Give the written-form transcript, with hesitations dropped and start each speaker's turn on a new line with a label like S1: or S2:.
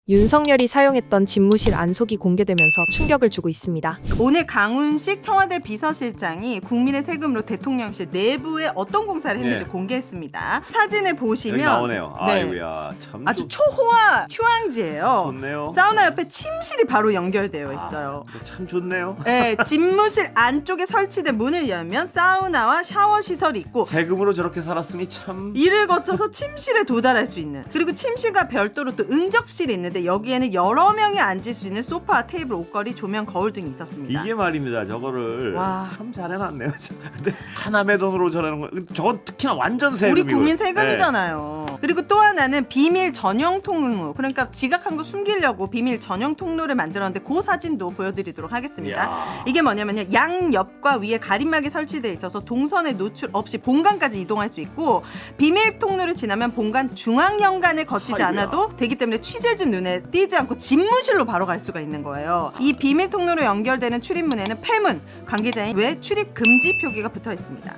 S1: 윤석열이 사용했던 집무실 안속이 공개되면서 충격을 주고 있습니다.
S2: 오늘 강훈식 청와대 비서실장이 국민의 세금으로 대통령실 내부에 어떤 공사를 했는지
S3: 예.
S2: 공개했습니다. 사진을 보시면
S3: 여기 나오네요.
S2: 네.
S3: 아이고야 참
S2: 아주 초호화 휴양지예요.
S3: 좋네요.
S2: 사우나 옆에 침실이 바로 연결되어 있어요.
S3: 참 좋네요.
S2: 네, 집무실 안쪽에 설치된 문을 열면 사우나와 샤워 시설이 있고
S3: 세금으로 저렇게 살았으니 참
S2: 이를 거쳐서 침실에 도달할 수 있는, 그리고 침실과 별도로 또 응접실이 있는데 여기에는 여러 명이 앉을 수 있는 소파, 테이블, 옷걸이, 조명, 거울 등이 있었습니다.
S3: 이게 말입니다. 저거를
S2: 와.
S3: 참 잘해놨네요. 근데 하남의 돈으로 저러는 거, 저건 특히나 완전 세금이고.
S2: 우리 국민 세금이잖아요. 그리고 또 하나는 비밀 전용 통로, 그러니까 지각한 거 숨기려고 비밀 전용 통로를 만들었는데 그 사진도 보여드리도록 하겠습니다.
S3: 이야.
S2: 이게 뭐냐면요, 양옆과 위에 가림막이 설치되어 있어서 동선에 노출 없이 본관까지 이동할 수 있고, 비밀 통로를 지나면 본관 중앙현관을 거치지
S3: 아이고야.
S2: 않아도 되기 때문에 취재진 눈에 띄지 않고 집무실로 바로 갈 수가 있는 거예요. 이 비밀 통로로 연결되는 출입문에는 폐문, 관계자인 외 출입 금지 표기가 붙어 있습니다.